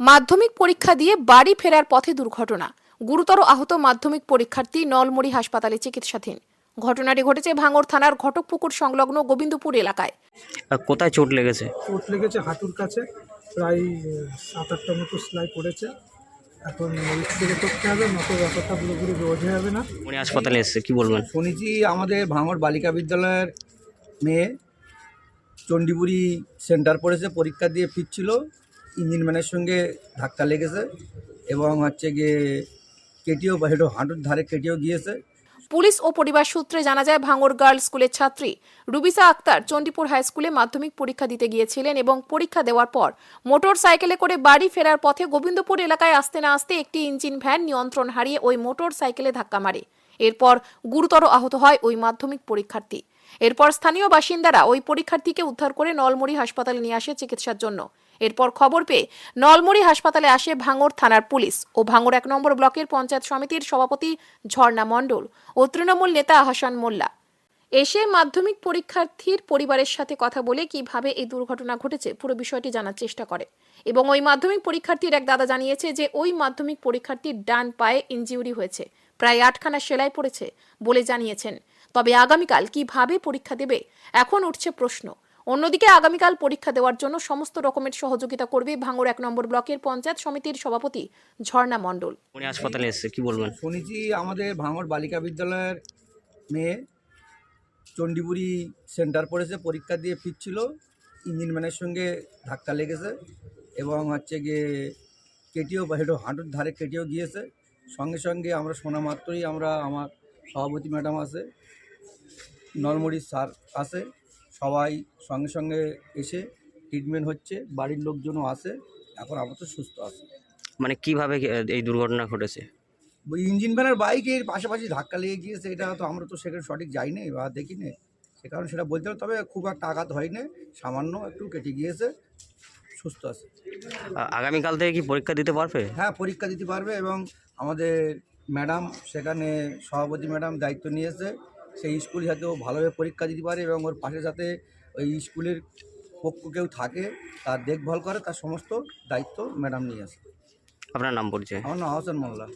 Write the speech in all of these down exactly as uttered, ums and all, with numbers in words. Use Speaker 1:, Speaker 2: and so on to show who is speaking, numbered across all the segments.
Speaker 1: মাধ্যমিক পরীক্ষা দিয়ে বাড়ি ফেরার পথে দুর্ঘটনা। গুরুতর আহত মাধ্যমিক পরীক্ষার্থী নলমুড়ি হাসপাতালে চিকিৎসাধীন। ঘটনাটি ঘটেছে ভাঙড় থানার ঘটকপুকুর সংলগ্ন গোবিন্দপুর এলাকায়।
Speaker 2: কোথায় চোট লেগেছে?
Speaker 3: চোট লেগেছে হাঁটুর কাছে, প্রায় সাত আটটা মতো সেলাই পড়েছে। এখন এক্সরে করতে হবে, মতো ব্যাপারটা পুরোপুরি বোঝা যাবে না।
Speaker 2: উনি হাসপাতালে এসেছে, কি বলবেন?
Speaker 4: শুনেছি আমাদের ভাঙড় বালিকা বিদ্যালয়ের মেয়ে চণ্ডীপুরি সেন্টার পড়েছে, পরীক্ষা দিয়ে ফিরছিল, ইঞ্জিন ম্যানের সঙ্গে ধাক্কা লেগেছে এবং হচ্ছে গিয়ে কেটেও বা হেঁটো হাঁটুর ধারে কেটেও গিয়েছে।
Speaker 1: পুলিশ ও পরিবার সূত্রে জানা যায়, ভাঙড় গার্লস স্কুলের ছাত্রী রুবিসা আক্তার চণ্ডীপুর হাই স্কুলে মাধ্যমিক পরীক্ষা দিতে গিয়েছিলেন এবং পরীক্ষা দেওয়ার পর মোটর সাইকেলে করে বাড়ি ফেরার পথে গোবিন্দপুর এলাকায় আসতে না আসতে একটি ইঞ্জিন ভ্যান নিয়ন্ত্রণ হারিয়ে ওই মোটর সাইকেলে ধাক্কা মারে। এরপর গুরুতর আহত হয় ওই মাধ্যমিক পরীক্ষার্থী। এরপর স্থানীয় বাসিন্দারা ওই পরীক্ষার্থীকে উদ্ধার করে নলমুড়ি হাসপাতালে নিয়ে আসে চিকিৎসার জন্য। এরপর খবর পেয়ে নলমুড়ি হাসপাতালে আসে ভাঙড় থানার পুলিশ ও ভাঙড় এক নম্বর ব্লকের পঞ্চায়েত সমিতির সভাপতি ঝর্ণা মণ্ডল ও তৃণমূল নেতা আহসান মোল্লা। এসে মাধ্যমিক পরীক্ষার্থীর পরিবারের সাথে কথা বলে কিভাবে এই দুর্ঘটনা ঘটেছে পুরো বিষয়টি জানার চেষ্টা করে এবং ওই মাধ্যমিক পরীক্ষার্থীর এক দাদা জানিয়েছে যে ওই মাধ্যমিক পরীক্ষার্থীর ডান পায়ে ইনজিউরি হয়েছে, প্রায় আটখানা সেলাই পড়েছে বলে জানিয়েছেন। তবে আগামীকাল কিভাবে পরীক্ষা দেবে এখন উঠছে প্রশ্ন। অন্যদিকে আগামীকাল পরীক্ষা দেওয়ার জন্য সমস্ত রকমের সহযোগিতা করবে ভাঙড় এক নম্বর ব্লকের পঞ্চায়েত সমিতির সভাপতি ঝর্ণা মণ্ডল।
Speaker 2: উনি হাসপাতালে এসেছে, কি বলবেন?
Speaker 4: শুনেছি আমাদের ভাঙড় বালিকা বিদ্যালয়ের মেয়ে চণ্ডীপুরি সেন্টার পড়েছে, পরীক্ষা দিয়ে ফিরছিল, ইঞ্জিন ম্যানের সঙ্গে ধাক্কা লেগেছে এবং হচ্ছে গিয়ে কেটেও বা হেঁটো হাঁটুর ধারে কেটেও গিয়েছে। সঙ্গে সঙ্গে আমরা শোনা মাত্রই আমরা আমার সভাপতি ম্যাডাম আছে, নলমুড়ির স্যার আছে, সবাই সঙ্গে সঙ্গে এসে ট্রিটমেন্ট হচ্ছে, বাড়ির লোকজনও আছে, এখন আপাতত সুস্থ আছে।
Speaker 2: মানে কিভাবে এই দুর্ঘটনা ঘটেছে?
Speaker 4: ওই ইঞ্জিন ভ্যানের বাইকের পাশাপাশি ধাক্কা লেগে গিয়েছে, এটা তো আমরা তো সেখানে সঠিক যাইনি বা দেখিনি, সে কারণে সেটা বলতে হবে। তবে খুব একটা আঘাত হয়নি, সামান্য একটু কেটে গিয়েছে, সুস্থ আছে।
Speaker 2: আ- আগামীকাল থেকে কি পরীক্ষা দিতে পারবে?
Speaker 4: হ্যাঁ, পরীক্ষা দিতে পারবে এবং আমাদের ম্যাডাম সেখানে সভাপতি ম্যাডাম দায়িত্ব নিয়েছে, সেই স্কুল যাতে ও ভালোভাবে পরীক্ষা দিতে পারে এবং ওর পাশে যাতে ওই স্কুলের পক্ষ কেউ থাকে, তার দেখভাল করে, তার সমস্ত দায়িত্ব ম্যাডাম নিয়ে আসে।
Speaker 2: আপনার নাম পরিচয়?
Speaker 4: আমার নাম আহসান মোল্লা।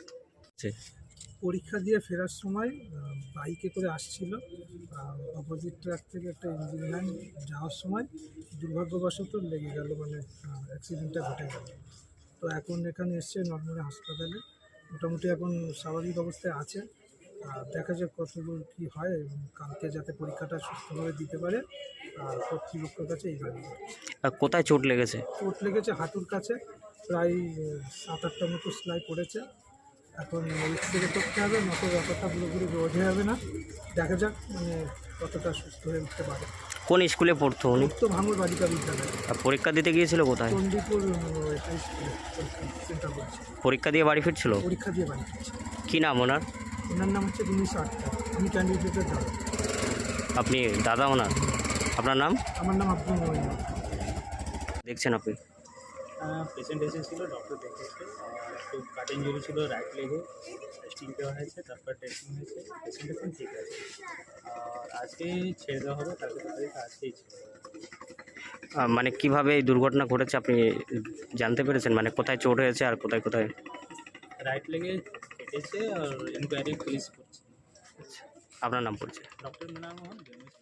Speaker 3: পরীক্ষা দিয়ে ফেরার সময় আহ, বাইকে করে আসছিল, অপোজিট ট্র্যাক থেকে একটা ইঞ্জিন ভ্যান যাওয়ার সময় দুর্ভাগ্যবশত লেগে গেল, মানে অ্যাক্সিডেন্টটা ঘটে গেল। তো এখন এখানে এসছে নলমুড়ি হাসপাতালে, মোটামুটি এখন স্বাভাবিক অবস্থায় আছে। আর দেখা যাক কতদূর কী হয় এবং কালকে যাতে পরীক্ষাটা সুস্থভাবে দিতে পারে আর কর্তৃপক্ষের কাছে এই দাবি করছি।
Speaker 2: আ, কোথায় চোট লেগেছে?
Speaker 3: চোট লেগেছে হাঁটুর কাছে, প্রায় সাত আটটা মতো সেলাই পড়েছে। এখন এক্সরে করতে হবে, মতো ব্যাপারটা পুরোপুরি বোঝা যাবে না। দেখা যাক মানে কতটা সুস্থ হয়ে উঠতে পারে।
Speaker 2: কোন স্কুলে পড়তো উনি?
Speaker 3: তো ভাঙড় বালিকা বিদ্যালয়
Speaker 2: আর পরীক্ষা দিতে গিয়েছিল কোথায়?
Speaker 3: চণ্ডীপুর হাই স্কুলে পরীক্ষা সেন্টার বলছে,
Speaker 2: পরীক্ষা দিয়ে বাড়ি ফিরছিল?
Speaker 3: পরীক্ষা দিয়ে বাড়ি ফিরছে।
Speaker 2: কি নাম ওনার?
Speaker 3: ওনার নাম হচ্ছে উনিশশো আটটা, আমি ক্যান্ডিডেটের দাদা।
Speaker 2: আপনি দাদা ওনার? আপনার নাম?
Speaker 3: আমার নাম আব্দুল মোমিন।
Speaker 2: দেখছেন আপনি?
Speaker 5: পেশেন্ট এসেছিল, ডক্টর দেখেছে, আর একটু কাট ইঞ্জুরি ছিল রাইট লেগে, টেস্টিং দেওয়া হয়েছে, তারপর টেস্টিং হয়েছে, পেশেন্ট এখন ঠিক আছে। আর আজকে ছেড়ে দেওয়া হবে, তারপর তাদেরকে আজকেই ছেড়ে দেওয়া হবে।
Speaker 2: আ, মানে কিভাবে এই দুর্ঘটনা ঘটেছে আপনি জানতে পেরেছেন? মানে কোথায় চোট হয়েছে আর কোথায় কোথায়?
Speaker 5: রাইট লেগে কেটেছে আর ইনকোয়ারি পুলিশ করছে।
Speaker 2: আপনার নাম পরিচয়?
Speaker 5: ডক্টর নাম আমার